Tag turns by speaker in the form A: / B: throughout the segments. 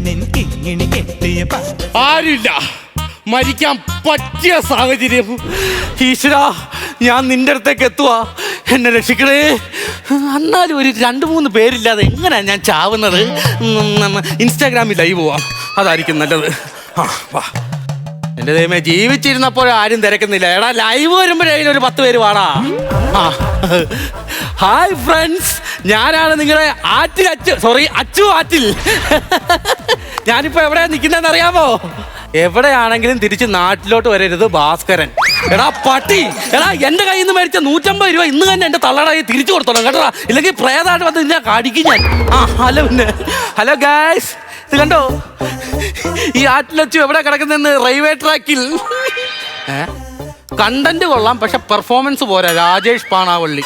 A: ആരില്ല, മരിക്കാൻ പറ്റിയ സാഹചര്യം. ഈശ്വര, ഞാൻ നിന്റെ അടുത്തേക്ക് എത്തുവാ, എന്നെ രക്ഷിക്കണേ. എന്നാലും ഒരു 2-3 പേരില്ലാതെ എങ്ങനെയാ ഞാൻ ചാവുന്നത്? ഇൻസ്റ്റാഗ്രാമിൽ ലൈവ് പോവാം, അതായിരിക്കും നല്ലത്. ആ വാ. എൻ്റെ ദൈവമേ, ജീവിച്ചിരുന്നപ്പോഴും ആരും തിരക്കുന്നില്ല. എടാ, ലൈവ് വരുമ്പോഴേ ഒരു 10 പേര് വാടാ. ആ, ഹായ് ഫ്രണ്ട്സ്, ഞാനാണ് നിങ്ങളുടെ അച്ചു ആറ്റിൽ. ഞാനിപ്പോ എവിടെയാ നിൽക്കുന്നതെന്ന് അറിയാമോ? എവിടെയാണെങ്കിലും തിരിച്ച് നാട്ടിലോട്ട് വരരുത് ഭാസ്കരൻ. എടാ പട്ടി, എടാ എന്റെ കയ്യിൽ നിന്ന് മേടിച്ച 150 രൂപ ഇന്ന് തന്നെ എന്റെ തള്ളടായി തിരിച്ചു കൊടുത്തോളാം കേട്ടോ, ഇല്ലെങ്കിൽ പ്രേതായിട്ട് വന്ന് ഞാൻ കാടിക്കും ഞാൻ. ആ ഹലോ ഗായ്സ്, ഇത് കണ്ടോ? ഈ ആറ്റിലച്ചു എവിടെ കിടക്കുന്നെന്ന്? റെയിൽവേ ട്രാക്കിൽ. കണ്ടന്റ് കൊള്ളാം, പക്ഷെ പെർഫോമൻസ് പോരാ. രാജേഷ് പാണാവള്ളി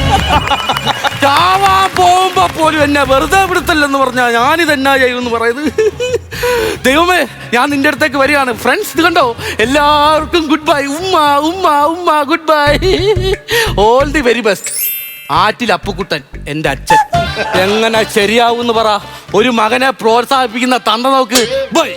A: ചാവാ പോകുമ്പോ പോലും എന്നെ വെറുതെ വിടുത്തല്ലെന്ന് പറഞ്ഞാ ഞാനിതെന്നാ ചെയ്യുമെന്ന് പറയുന്നത്. ദൈവമേ, ഞാൻ നിന്റെ അടുത്തേക്ക് വരികയാണ്. ഫ്രണ്ട്സ്, ഇത് കണ്ടോ? എല്ലാവർക്കും ഗുഡ് ബൈ. ഉമ്മ good bye. All the very best. ആറ്റിൽ അപ്പുക്കുട്ടൻ, എൻ്റെ അച്ഛൻ. എങ്ങനെ ശരിയാവൂന്ന് പറ. ഒരു മകനെ പ്രോത്സാഹിപ്പിക്കുന്ന തന്ത നോക്ക്. ബൈ.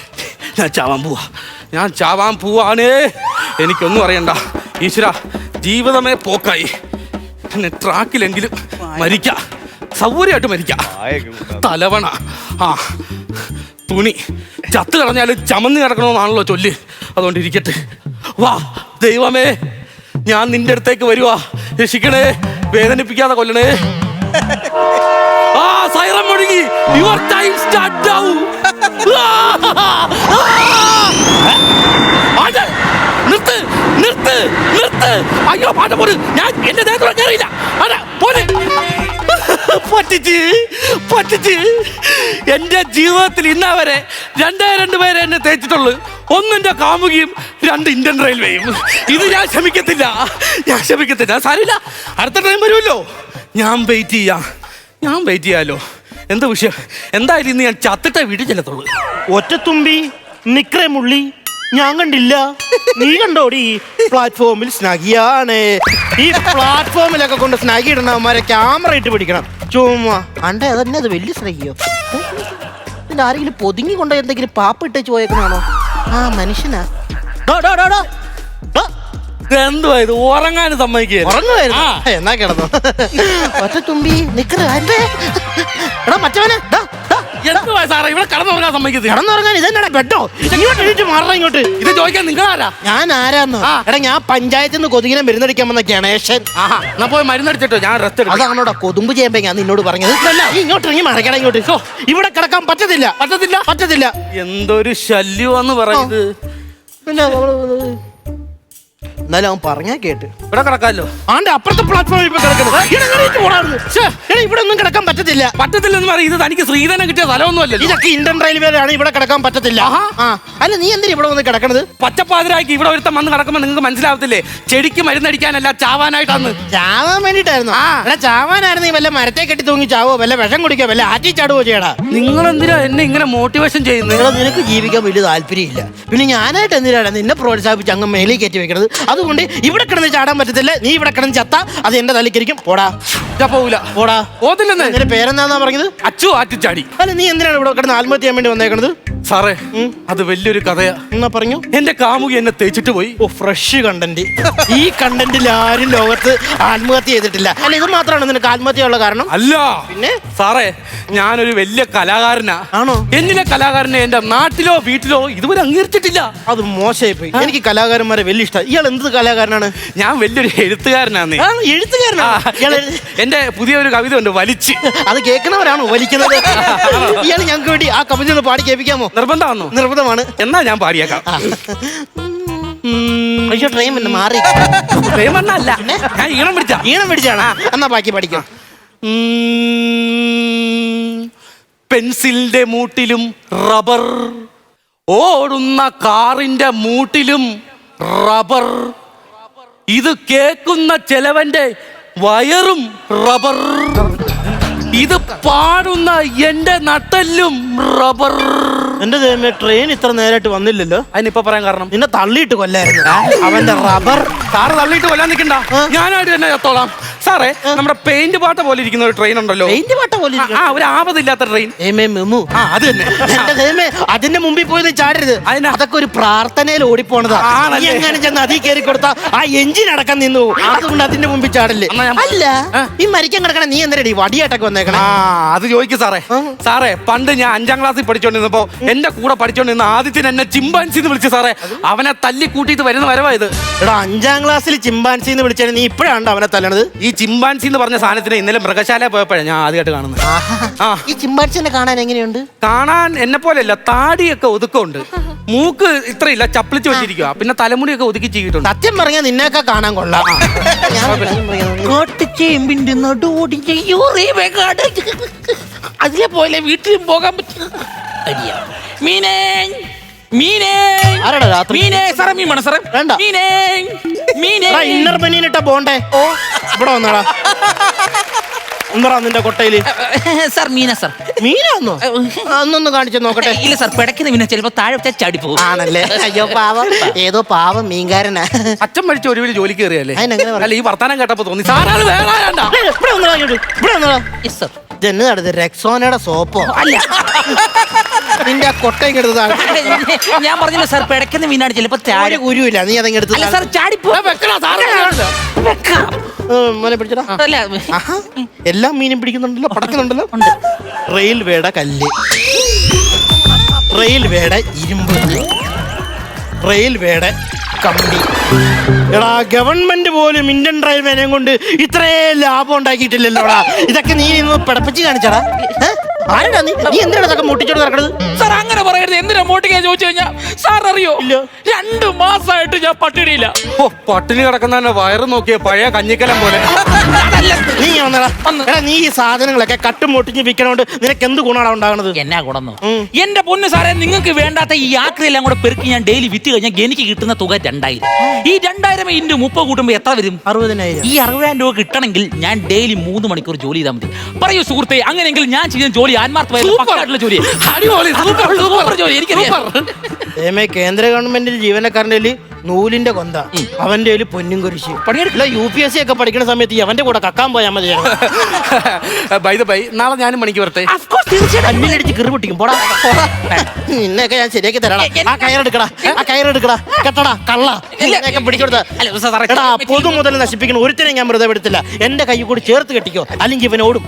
A: ഞാൻ ചാവാൻ പോവാണ്. എനിക്കൊന്നും അറിയണ്ട. ഈശ്വര, ജീവിതമേ പോക്കായി. പിന്നെ ട്രാക്കിലെങ്കിലും മരിക്കാം, സൗകര്യമായിട്ട് മരിക്കാം. തലവണ, ആ തുണി ചത്ത് കളഞ്ഞാലും ചമന്ന് കിടക്കണമെന്നാണല്ലോ ചൊല്ല്. അതുകൊണ്ട് ഇരിക്കട്ടെ. വാ ദൈവമേ, ഞാൻ നിന്റെ അടുത്തേക്ക് വരുവാ. രക്ഷിക്കണേ, വേദനിപ്പിക്കാതെ കൊല്ലണേ. ആ സൈറൻ മുഴുകി. Your time start now. നിർത്ത്. അയ്യോ പാട്ട പോട്. ഞാൻ എന്റെ ദേഹത്തോടെ കയറിയില്ല. പറ്റിച്ച് എന്റെ ജീവിതത്തിൽ ഇന്നവരെ 2 പേരെ എന്നെ തേച്ചിട്ടുള്ളു. 1 എന്റെ കാമുകിയും, 2 ഇന്ത്യൻ റെയിൽവേയും. ഇത് ഞാൻ ക്ഷമിക്കത്തില്ല. സാരില്ല, അടുത്ത ടൈം വരുമല്ലോ. ഞാൻ വെയിറ്റ് ചെയ്യാലോ. എന്താ വിഷയം? എന്തായാലും ഇന്ന് ഞാൻ ചത്തിട്ടേ വീട്ടിൽ ചെല്ലത്തുള്ളൂ.
B: ഒറ്റത്തുമ്പി നിക്രേ മുള്ളി ഞാൻ കണ്ടില്ല, നീ കണ്ടോടി? പ്ലാറ്റ്ഫോമിൽ സ്നഗിയാണ്. ഈ പ്ലാറ്റ്ഫോമിലൊക്കെ കൊണ്ട് സ്നഗി ഇടണവന്മാരെ ക്യാമറ ഇട്ട് പിടിക്കണം. ചുമ്മാ അണ്ടേ, അതന്നെ അത് വലിയ സ്നഗിയോ? ഇതിൽ ആരെങ്കിലും പൊതുങ്ങി കൊണ്ട് എന്തെങ്കിലും പാപ്പ ഇട്ടേച്ച് പോയേക്കണാണോ? ആ മനുഷ്യനാ.
A: എന്തുവാ ഇത്? ഉറങ്ങാനും
B: സമ്മതിക്കുവായിരുന്നു. എന്നാ കിടന്നു. ഒറ്റത്തുമ്പി നിക്കറ്. എടാ മറ്റവനെ,
A: എന്തുവാ സാറേ ഇവിടെ കടന്നുറങ്ങാൻ സമ്മതിക്കുന്നത്?
B: കടന്നുറങ്ങാൻ ഇതെന്നാ ബെഡോ? ഇങ്ങോട്ട് എഴുതി മാറണം ഇങ്ങോട്ട്.
A: ഇത് ചോദിക്കാൻ നിങ്ങളാരാ?
B: ഞാൻ ആരാന്ന്? എടാ, ഞാൻ പഞ്ചായത്തിൽ നിന്ന് കൊതുകിനെ മരുന്നടിക്കാൻ വന്ന ഗണേശൻ.
A: എന്നാ പോയി മരുന്നടിച്ചിട്ടോ, ഞാൻ റെസ്റ്റ് എടുക്കാം.
B: അതാണോടാ കൊതുമ്പ് ചെയ്യുമ്പോ ഞാൻ നിന്നോട് പറഞ്ഞത്. ഇങ്ങോട്ട് ഇറങ്ങി മറക്കണം ഇങ്ങോട്ട്. ഇവിടെ കിടക്കാൻ പറ്റത്തില്ല.
A: എന്തൊരു ശല്യമാന്ന് പറയുന്നത്.
B: പിന്നെ എന്നാലും അവൻ പറഞ്ഞാ കേട്ട്.
A: ഇവിടെ കിടക്കാമല്ലോ.
B: ആന്റെ അപ്പുറത്തെ പ്ലാറ്റ്ഫോമിൽ ഇപ്പൊ കിടക്കുന്നത്. ഇവിടെ ഒന്നും കിടക്കാൻ
A: പറ്റത്തില്ലെന്ന് പറയും. ഇത് തനിക്ക് ശ്രീധരൻ കിട്ടിയ സ്ഥലമൊന്നും അല്ലല്ലോ.
B: ഇതൊക്കെ ഇന്ത്യൻ റെയിൽവേയിലാണ്. ഇവിടെ കിടക്കാൻ പറ്റത്തില്ല. അല്ല, നീ എന്തിനാ ഇവിടെ വന്ന് കിടക്കണത്?
A: പച്ചപ്പാതിരാക്കി ഇവിടെ ഒരുത്തം വന്ന് കിടക്കുമ്പോ നിങ്ങൾക്ക് മനസ്സിലാവത്തില്ലേ? ചെടിക്ക് മരുന്നടിക്കാനല്ല, ചാവാനായിട്ടാണ്.
B: ചാവാൻ വേണ്ടിട്ടായിരുന്നു. ചാവാനായിരുന്നു. നീ വല്ല മരത്തെ കെട്ടി തൂങ്ങി ചാവോ, വല്ല വിഷം കുടിക്കോ, വല്ല ആറ്റി ചാടുവോ ചെയ്യടാ.
A: നിങ്ങൾ എന്തിനാ എന്നെ ഇങ്ങനെ മോട്ടിവേഷൻ ചെയ്യുന്നത്?
B: നിനക്ക് ജീവിക്കാൻ വലിയ താല്പര്യമില്ല. പിന്നെ ഞാനായിട്ട് എന്തിനാണ് നിന്നെ പ്രോത്സാഹിപ്പിച്ച് അങ്ങ് മേലിൽ കയറ്റി വെക്കണത്? അതുകൊണ്ട് ഇവിടെ കിടന്ന് ചാടാൻ പറ്റത്തില്ല. നീ ഇവിടെ കിടന്ന് ചത്ത അത് എന്റെ തലയ്ക്കരിക്കും. പോടാ.
A: പോത്തില്ലെന്ന്.
B: നിന്റെ പേരെന്താന്നാ പറഞ്ഞത്?
A: അച്ചു ആറ്റിച്ചാടി.
B: അല്ല, നീ എന്തിനാണ് ഇവിടെ കിടന്ന് ആത്മഹത്യ ചെയ്യാൻ വേണ്ടി വന്നേക്കണത്?
A: സാറേ, അത് വലിയൊരു കഥയാ.
B: എന്നാ പറഞ്ഞു.
A: എന്റെ കാമുകി എന്നെ തേച്ചിട്ട് പോയി.
B: Fresh content. ഈ കണ്ടന്റിൽ ആരും ലോകത്ത് ആത്മഹത്യ ചെയ്തിട്ടില്ല. അല്ല, ഇത് മാത്രമാണ് നിനക്ക് ആത്മഹത്യയുള്ള കാരണം?
A: അല്ല.
B: പിന്നെ
A: സാറേ, ഞാനൊരു വലിയ കലാകാരനാ.
B: ആണോ?
A: എന്നിലെ കലാകാരനെ എന്റെ നാട്ടിലോ വീട്ടിലോ ഇതുവരെ അംഗീകരിച്ചിട്ടില്ല.
B: അത് മോശമായി പോയി. എനിക്ക് കലാകാരന്മാരെ വലിയ ഇഷ്ടം. ഇയാൾ എന്ത് കലാകാരനാണ്?
A: ഞാൻ വലിയൊരു എഴുത്തുകാരനാണ്.
B: എഴുത്തുകാരനാ?
A: എന്റെ പുതിയൊരു കവിത ഉണ്ട്, വലിച്ച്. അത്
B: കേൾക്കുന്നവരാണോ വലിക്കുന്നത്? ഇയാൾ ഞങ്ങൾക്ക് വേണ്ടി ആ കവിത ഒന്ന് പാടി കേൾപ്പിക്കാമോ?
A: നിർബന്ധമാണോ?
B: നിർബന്ധമാണ്.
A: എന്നാ ഞാൻ പാടിയേക്കാം.
B: അയ്യോ, ട്രെയിൻ പിന്നെ മാറി.
A: ട്രെയിൻ വന്നല്ല, ഞാൻ ഈണം പിടിച്ചാണ്.
B: എന്നാ ബാക്കി പഠിക്കാം.
A: പെൻസിലിന്റെ മൂട്ടിലും റബ്ബർ, ഓടുന്ന കാറിന്റെ മൂട്ടിലും റബ്ബർ, ഇത് കേൾക്കുന്ന ചെലവന്റെ വയറും റബ്ബർ, ഇത് പാടുന്ന എന്റെ നട്ടല്ലും റബ്ബർ.
B: എന്റെ ദൈവമേ, ട്രെയിൻ ഇത്ര നേരമായിട്ട് വന്നില്ലല്ലോ.
A: അതിനിപ്പോ പറയാൻ കാരണം
B: നിന്നെ തള്ളിയിട്ട് കൊല്ലായിരുന്നു അവന്റെ റബ്ബർ.
A: സാറ് തള്ളിയിട്ട് കൊല്ലാൻ നിൽക്കണ്ട, ഞാനായിട്ട് തന്നെ ചത്തോളാം. സാറേ നമ്മുടെ പെയിന്റ് പാട്ട പോലെ ഇരിക്കുന്ന ഒരു ട്രെയിൻ ഉണ്ടല്ലോ.
B: പെയിന്റ് പാട്ട പോലെ
A: ഒരു ആപതില്ലാത്ത ട്രെയിൻ.
B: അത് തന്നെ. അതിന്റെ മുമ്പിൽ പോയി ചാടരുത്. അതൊക്കെ ഒരു പ്രാർത്ഥനയിൽ ഓടിപ്പോണതാ. എങ്ങനെ ചെന്ന് അതിൽ കയറി കൊടുത്താ ആ എഞ്ചിൻ അടക്കം നിന്നു. അതുകൊണ്ട് അതിന്റെ മുമ്പിൽ ചാടല്ലേ. അല്ല ഈ മരിക്കാൻ കിടക്കണ നീ എന്തിനടി വടിയായിട്ടൊക്കെ വന്നേക്കണേ?
A: അത് ചോദിക്കും സാറേ. സാറേ പണ്ട് ഞാൻ 5ാം ക്ലാസ്സിൽ പഠിച്ചോണ്ടിരുന്നപ്പോ എന്റെ കൂടെ പഠിച്ചോണ്ടിരുന്ന ആദ്യത്തിന് എന്നെ ചിമ്പാൻസി എന്ന് വിളിച്ചു സാറേ. അവനെ തല്ലി കൂട്ടിയിട്ട് വരുന്ന വരവായത്.
B: എടാ 5ാം ക്ലാസ്സിൽ ചിമ്പാൻസി എന്ന് വിളിച്ചാൽ നീ ഇപ്പോഴാണ് അവനെ തല്ലണത്.
A: ഈ ചിമ്പാൻസി എന്ന് പറഞ്ഞ സാധനത്തിന് ഇന്നലെ മൃഗശാല പോയപ്പോഴാണ് ഞാൻ ആദ്യമായിട്ട് കാണുന്നത്.
B: ഈ ചിമ്പാൻസിനെ കാണാൻ എങ്ങനെയുണ്ട്?
A: കാണാൻ എന്നെ പോലെയല്ല, താടിയൊക്കെ ഒതുക്കമുണ്ട്, മൂക്ക് ഇത്രയില്ല, ചപ്പിളിച്ച് വെച്ചിരിക്കുക, പിന്നെ തലമുടിയൊക്കെ ഒതുക്കി ചെയ്തിട്ടുണ്ട്.
B: സത്യം പറഞ്ഞാൽ നിന്നെയൊക്കെ കാണാൻ കൊള്ളാം.
C: അതിലെ പോലെ വീട്ടിലും പോകാൻ പറ്റും. മീനേ മീനേ
B: ആരാടാ രാത്രി?
C: മീനേ സാറേ മീൻ വേണം സാറേ.
B: വേണ്ട.
C: മീനേ മീനേ
B: ഇന്നർ ബനിയനിട്ട പോണ്ടേ? ഇവിടെ വന്നടാ. എന്താ നിന്റെ കൊട്ടയില്?
C: സാർ മീനാ സാർ.
B: മീനാന്നോ? അന്നൊന്ന് കാണിച്ചു നോക്കട്ടെ.
C: ഇല്ല സാർ, പിടക്കുന്ന മീന ചിലപ്പോ താഴെ വെച്ചാൽ ചാടി പോകും.
B: ആണല്ലേ? അയ്യോ പാവം, ഏതോ പാവം മീൻകാരനാ.
A: അച്ഛൻ മരിച്ച ഒരു വീട് ജോലിക്ക് കയറിയല്ലേ?
B: അതിനെങ്ങനെ
A: അല്ല ഈ വർത്താനം കേട്ടപ്പോ തോന്നി സാറാണ് വേണ്ട.
B: ഇവിടെ വന്നടാ, ഇവിടെ വന്നടാ.
C: Yes sir.
B: ഇതെന്ന് നടന്നത് റെക്സോനയുടെ സോപ്പോ?
C: അല്ല,
B: നിന്റെ ആ കൊട്ടയും എടുത്തതാണ്.
C: ഞാൻ പറഞ്ഞില്ല സാർ, പിടക്കുന്ന മീനാണ് ചിലപ്പോ താഴെ.
B: ഗുരുവില്ല, നീ അതങ്ങ് എടുത്ത്.
C: അല്ല സാർ, ചാടി
B: മോനെ പിടിച്ചടാ. എല്ലാ മീനും പിടിക്കുന്നുണ്ടല്ലോ, പടക്കുന്നുണ്ടല്ലോ. റെയിൽവേയുടെ കല്ല്, റെയിൽവേയുടെ ഇരുമ്പ്, റെയിൽവേയുടെ കമ്പി. എടാ ഗവൺമെന്റ് പോലും ഇന്ത്യൻ റെയിൽവേനെയും കൊണ്ട് ഇത്രയും ലാഭം ഉണ്ടാക്കിയിട്ടില്ലല്ലോടാ. ഇതൊക്കെ നീ ഇന്ന് പിടപ്പിച്ച് കാണിച്ചടാ. ആരാടാ നീ? നീ എന്തിനാണ് ഇതൊക്കെ മുട്ടിച്ചോട് നടക്കണത്?
C: സാർ അങ്ങനെ പറയരുത്. എന്തിനാ മോട്ടിക്കാ ചോദിച്ചു കഴിഞ്ഞാ സാർ അറിയോ? 2 മാസമായിട്ട് ഞാൻ പട്ടിണിയില്ല.
A: പട്ടിണി കിടക്കുന്ന വയറ് നോക്കിയ പഴയ കഞ്ഞിക്കലം പോലെ.
B: നീ വന്നടാ. എടാ നീ ഈ സാധനങ്ങളൊക്കെ കട്ടും മുട്ടിച്ച് വിൽക്കണോണ്ട് നിനക്ക് എന്ത് ഗുണമാണ് ഉണ്ടാകുന്നത്?
C: എന്നാ ഗുണമെന്നോ? എന്റെ പൊന്ന് സാറേ, നിങ്ങൾക്ക് വേണ്ടാത്ത ഈ ആക്രിയെല്ലാം കൂടെ പെറുക്കി ഞാൻ ഡെയിലി വിറ്റ് കഴിഞ്ഞാൽ എനിക്ക് കിട്ടുന്ന തുക 2000. ഈ 2000 ഇൻറ്റു 30 കൂട്ടുമ്പോ എത്ര വരും?
B: 60,000.
C: ഈ 60,000 രൂപ കിട്ടണമെങ്കിൽ ഞാൻ ഡെയിലി 3 മണിക്കൂർ ജോലി ചെയ്താൽ മതി. പറയൂ സുഹൃത്തെ, അങ്ങനെയെങ്കിൽ ഞാൻ ചെയ്യുന്ന ജോലി ആത്മാർത്ഥമായിട്ടുള്ള ജോലി. സൂപ്പർ ജോലി, എനിക്കറിയാം.
B: കേന്ദ്ര ഗവൺമെന്റിൽ ജീവനക്കാരൻ്റെ നൂലിന്റെ കൊന്ത, അവന്റെ പൊന്നും കുരിശ്. പണിയെടുക്കില്ല. UPSC ഒക്കെ പഠിക്കുന്ന സമയത്ത് അവന്റെ കൂടെ കക്കാൻ പോയാൽ മതി.
A: നാളെ ഞാനും പണിക്ക് വരട്ടെ.
B: അടിച്ച് കിറി പൊട്ടിക്കും. പോടാ നിന്നെയൊക്കെ ഞാൻ ശരിയാക്കി തരാം. ആ കയറെടുക്കടാ, ആ കയറെടുക്കടാ, കെട്ടടാ കള്ള പിടിച്ചെടുത്താ. പൊതു മുതൽ നശിപ്പിക്കണം ഒരുത്തിനെ ഞാൻ വെറുതെ വിടത്തില്ല. എന്റെ കൈ കൂടി ചേർത്ത് കെട്ടിക്കോ, അല്ലെങ്കിൽ ഇവൻ ഓടും.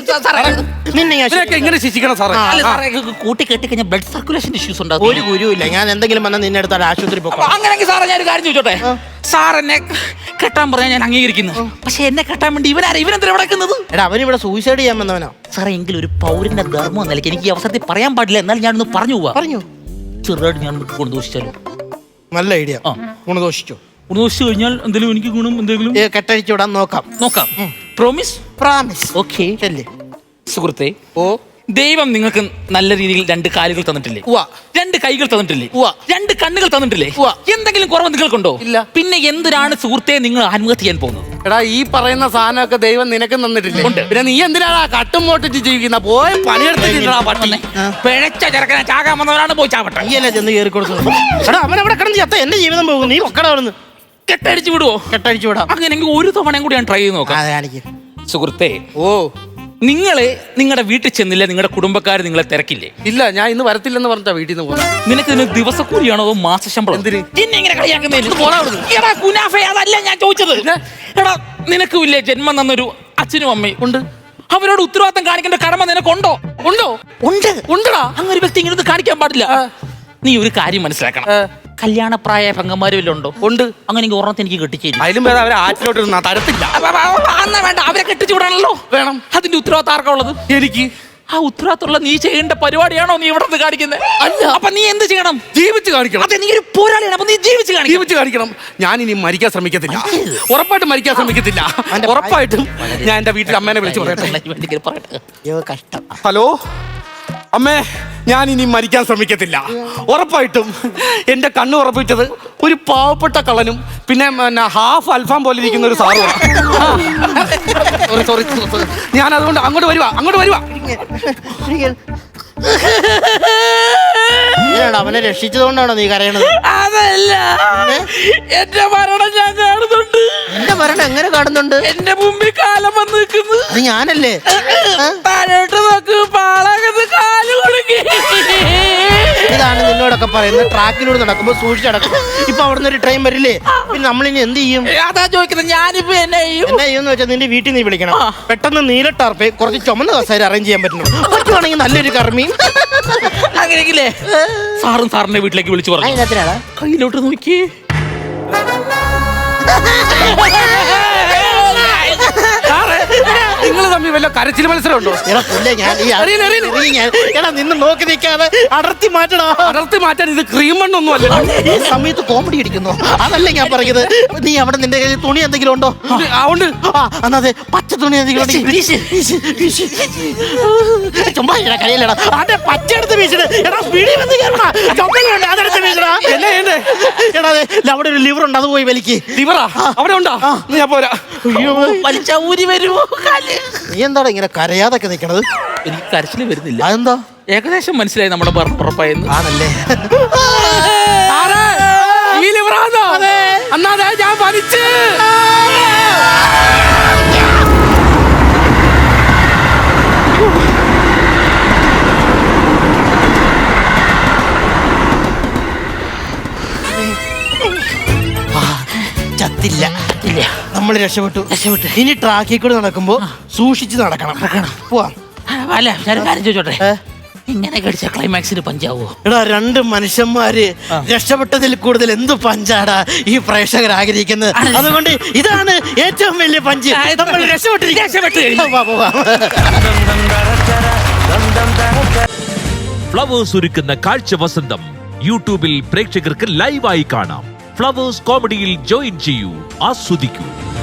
B: നിന്നെ ഞാൻ
A: ഇങ്ങനെ ശിക്ഷിക്കണം സാറേ.
C: കൂട്ടി കെട്ടി കഴിഞ്ഞാൽ ബ്ലഡ് സർക്കുലേഷൻ ഇഷ്യൂസ് ഉണ്ടാവും.
B: ഒരു ഗുരുവില്ല. ഞാൻ എന്തെങ്കിലും വന്നാൽ നിന്നെ എടുത്താൽ ആശുപത്രി പോകും.
C: അങ്ങനെയെങ്കിൽ സാറേ ഞാനൊരു കാര്യം ചോദിച്ചോട്ടെ? സാർ എന്നെ കെട്ടാൻ പറഞ്ഞാൽ ഞാൻ അംഗീകരിക്കുന്നു. പക്ഷെ എന്നെ കെട്ടാൻ വേണ്ടി ഇവനെന്തിനാ വിടക്കുന്നത്?
B: എടാ അവനിവിടെ സൂയിസൈഡ് ചെയ്യാൻ വന്നവനാ.
C: സാറേ എങ്കിലും ഒരു പൗരന്റെ ധർമ്മം നിലയ്ക്ക് എനിക്ക് ഈ അവസരത്തിൽ പറയാൻ പാടില്ല. എന്നാലും ഞാനൊന്ന് പറഞ്ഞു പോവാ.
B: പറഞ്ഞു
C: ചെറുതായിട്ട് ഞാൻ ഗുണദോഷിച്ചാലോ?
B: നല്ല ഐഡിയ. ഗുണദോഷിച്ചോ?
C: ഗുണദോഷിച്ചു കഴിഞ്ഞാൽ എന്തെങ്കിലും എനിക്ക് ഗുണം എന്തെങ്കിലും
B: കെട്ടഴിച്ചു വിടാൻ നോക്കാം.
C: പ്രോമിസ്?
B: പ്രാമിസ്.
C: ഓക്കെ. സുഹൃത്തെ,
B: ഓ
C: ദൈവം നിങ്ങൾക്ക് നല്ല രീതിയിൽ 2 കാലുകൾ തന്നിട്ടില്ലേ? 2 കൈകൾ തന്നിട്ടില്ലേ? 2 കണ്ണുകൾ തന്നിട്ടില്ലേ? എന്തെങ്കിലും കുറവ് നിങ്ങൾക്കുണ്ടോ?
A: ഇല്ല.
C: പിന്നെ എന്തിനാണ് സുഹൃത്തെ നിങ്ങൾ ആത്മഹത്യ ചെയ്യാൻ പോകുന്നത്?
A: എടാ ഈ പറയുന്ന സാധനമൊക്കെ ദൈവം നിനക്ക് തന്നിട്ടില്ലേ? പിന്നെ നീ എന്തിനാണ് കട്ടും മോട്ടിച്ച് ജീവിക്കുന്ന? പോയി പണിയെടുത്തിട്ടാ പട്ടി.
C: പിഴച്ച ചെറുക്കനെ ചാകാൻ വന്നവരാണ് പോയി ചാവട്ടെ.
B: നീയല്ലേ ചെന്ന് കയറി കൊടുത്തു. എടാ അവനവിടെ കിടന്ന് ചത്ത എന്റെ ജീവിതം പോകും. നീ ഒക്കട അവിടുന്ന്
C: കെട്ടടിച്ചു വിടുവോ?
B: കെട്ടഴിച്ചു വിടാം.
C: അങ്ങനെയെങ്കിൽ ഒരു തവണയും കൂടി ഞാൻ ട്രൈ ചെയ്ത് നോക്കാം. സുഹൃത്തെ, നിങ്ങളെ നിങ്ങളുടെ വീട്ടിൽ ചെന്നില്ല, നിങ്ങളുടെ കുടുംബക്കാർ നിങ്ങളെ തിരക്കില്ലേ?
A: ഇല്ല, ഞാൻ ഇന്ന് വരത്തില്ലെന്ന് പറഞ്ഞാ വീട്ടിൽ നിന്ന് പോകുന്നത്.
C: നിനക്ക് ഇതിന് ദിവസക്കൂലിയാണോ അതോ മാസശമ്പളം? എന്നെ ഇങ്ങനെ കളിയാക്കുന്നതിന് അതല്ല ഞാൻ ചോദിച്ചത്. എടാ നിനക്കും ഇല്ലേ ജന്മം തന്നൊരു അച്ഛനും അമ്മയും ഉണ്ട്. അവരോട് ഉത്തരവാദിത്തം കാണിക്കേണ്ട കടമ നിനക്കുണ്ടോ? ഉണ്ടടാ. അങ്ങനെ ഒരു വ്യക്തി ഇങ്ങനെ കാണിക്കാൻ പാടില്ല. നീ ഒരു കാര്യം മനസ്സിലാക്കണം. കല്യാണപ്രായ പെങ്ങന്മാരും വല്ലതും ഉണ്ടോ? ഉണ്ട്. അങ്ങനെ ഓർമ്മത്തെ എനിക്ക് കെട്ടിച്ചേരും.
A: അതിലും വേറെ അവരെ ആറ്റിലോട്ട് തരത്തില്ല.
C: വേണ്ട, അവരെ കെട്ടിച്ചു വിടാണല്ലോ. വേണം. അതിന്റെ ഉത്തരവാദിത്തം ആർക്കാ ഉള്ളത്? എനിക്ക്. ആ ഉത്തരവാദിത്തമുള്ള നീ ചെയ്യേണ്ട പരിപാടിയാണോ നീ ഇവിടെ കാണിക്കുന്നത്? അല്ല. അപ്പൊ നീ എന്ത് ചെയ്യണം? ജീവിച്ച് കാണിക്കണം. അതെ, നീ ഒരു പോരാളിയാണ്. അപ്പൊ നീ ജീവിച്ച് കാണിക്കണം.
A: ഞാൻ ഇനി മരിക്കാൻ ശ്രമിക്കത്തില്ല. ഉറപ്പായിട്ടും മരിക്കാൻ ശ്രമിക്കത്തില്ല. ഉറപ്പായിട്ടും ഞാൻ എന്റെ വീട്ടിൽ അമ്മേനെ വിളിച്ചു പറയട്ടെ.
B: കഷ്ടം.
A: ഹലോ അമ്മേ, ഞാൻ ഇനി മരിക്കാൻ ശ്രമിക്കത്തില്ല. ഉറപ്പായിട്ടും എന്റെ കണ്ണ് ഉറപ്പിച്ചത് ഒരു പാവപ്പെട്ട കള്ളനും പിന്നെ ഹാഫ് അൽഫാം പോലെ ഇരിക്കുന്ന ഒരു സാറുമാണ്. സോറി, ഞാൻ അതുകൊണ്ട് അങ്ങോട്ട് വരുവാ.
B: അവനെ രക്ഷിച്ചതുകൊണ്ടാണോ നീ കരയണത്?
C: അതല്ല, എന്റെ മരണം ഞാൻ കാണുന്നുണ്ട്.
B: അമ്മയുടെ മരണം എങ്ങനെ കാണുന്നുണ്ട്?
C: എന്റെ മുമ്പിൽ കാലം വന്ന് നിൽക്കുന്നു.
B: അത് ഞാനല്ലേ?
C: താഴോട്ട് നോക്ക്, പാളകത്ത് കാല് കൊടുക്കി.
B: ഇതാണ് നിന്നോടൊക്കെ പറയുന്നത്, ട്രാക്കിലൂടെ നടക്കുമ്പോ സൂക്ഷിച്ച് നടക്കും. ഇപ്പൊ അവിടുന്ന് ഒരു ട്രെയിൻ വരില്ലേ, പിന്നെ നമ്മളിനി എന്ത് ചെയ്യും?
C: അതാ ചോദിക്കുന്നത്, ഞാനിപ്പോ എന്നെ ചെയ്യും?
B: എന്നാ ചെയ്യുമെന്ന് വെച്ചാൽ നിന്റെ വീട്ടിൽ നീ വിളിക്കണം. പെട്ടെന്ന് നീലട്ടാർപ്പേ കുറച്ച് ചുമന്ന കസേര അറേഞ്ച് ചെയ്യാൻ പറ്റുന്നു. പറ്റുവാണെങ്കിൽ നല്ലൊരു കർമ്മിയും.
C: അങ്ങനെയെങ്കിലേ സാറും സാറിന്റെ വീട്ടിലേക്ക് വിളിച്ചു പറഞ്ഞു.
B: അതിനകത്തിനാണ്
C: കയ്യിലോട്ട് നോക്കി.
A: നിങ്ങൾ തമ്മിൽ വല്ല കരച്ചിൽ മത്സരം ഉണ്ടോ?
B: എടാ പുല്ലേ, ഞാൻ എടാ നിന്ന് നോക്കി നിൽക്കാതെ അടർത്തി മാറ്റടാ.
A: അടർത്തി മാറ്റാൻ ഇത് ക്രീം മണ്ണൊന്നും അല്ല.
B: ഈ സമയത്ത് കോമഡി അടിക്കുന്നു, അതല്ല ഞാൻ പറയുന്നത്. നീ അവിടെ നിന്റെ കയ്യിൽ തുണി എന്തെങ്കിലും ഉണ്ടോ?
A: ഉണ്ട്.
B: അതെ, പച്ച തുണി എന്തെങ്കിലും ചുമ്മാ കളിയല്ലടാ. അതെ, പച്ച എടുത്ത് വീശിട്. എടാ സ്പീഡിൽ വന്ന് കയറണ ചുമലുണ്ട്, അതെടുത്ത് വീശടാ.
A: എന്നെ
B: എടാ അതെ, അവിടെ ഒരു ലിവർ ഉണ്ട്, അത് പോയി വലിക്ക്.
A: ലിവറാ അവിടെ ഉണ്ടോ? ഞാൻ പോരാ.
C: വലിച്ച ഊരി വരുമോ കാല്?
B: നീ എന്താണ് ഇങ്ങനെ കരയാതൊക്കെ നിൽക്കണത്?
C: എനിക്ക് കരച്ചില് വരുന്നില്ല.
B: അതെന്താ?
C: ഏകദേശം മനസ്സിലായി നമ്മുടെ ഉറപ്പായെന്ന്.
B: ആണല്ലേ?
A: ഈ ലിവറാന്നോ? അന്നാതെ ഞാൻ വലിച്ച്.
B: ചത്തില്ല, നമ്മൾ രക്ഷപ്പെട്ടു. ഇനി ട്രാക്കിൽ കൂടെ നടക്കുമ്പോ സൂക്ഷിച്ച് നടക്കണം. പോവാം.
C: അല്ല, ഞാൻ കാര്യം ചോദിച്ചോട്ടെ, ഇങ്ങനെ കടിച്ച ക്ലൈമാക്സിന് പഞ്ചാവോ?
B: എടാ, രണ്ട് മനുഷ്യന്മാര് രക്ഷപ്പെട്ടതിൽ കൂടുതൽ എന്ത് പഞ്ചാടാ ഈ പ്രേക്ഷകർ ആഗ്രഹിക്കുന്നത്. അതുകൊണ്ട് ഇതാണ് ഏറ്റവും വലിയ പഞ്ച്. നമ്മൾ രക്ഷപ്പെട്ടു.
D: ഫ്ലവേഴ്സ് ഒരുക്കുന്ന കാഴ്ച വസന്തം യൂട്യൂബിൽ പ്രേക്ഷകർക്ക് ലൈവായി കാണാം. ഫ്ലവേഴ്സ് കോമഡിയിൽ ജോയിൻ ചെയ്യൂ, ആസ്വദിക്കൂ.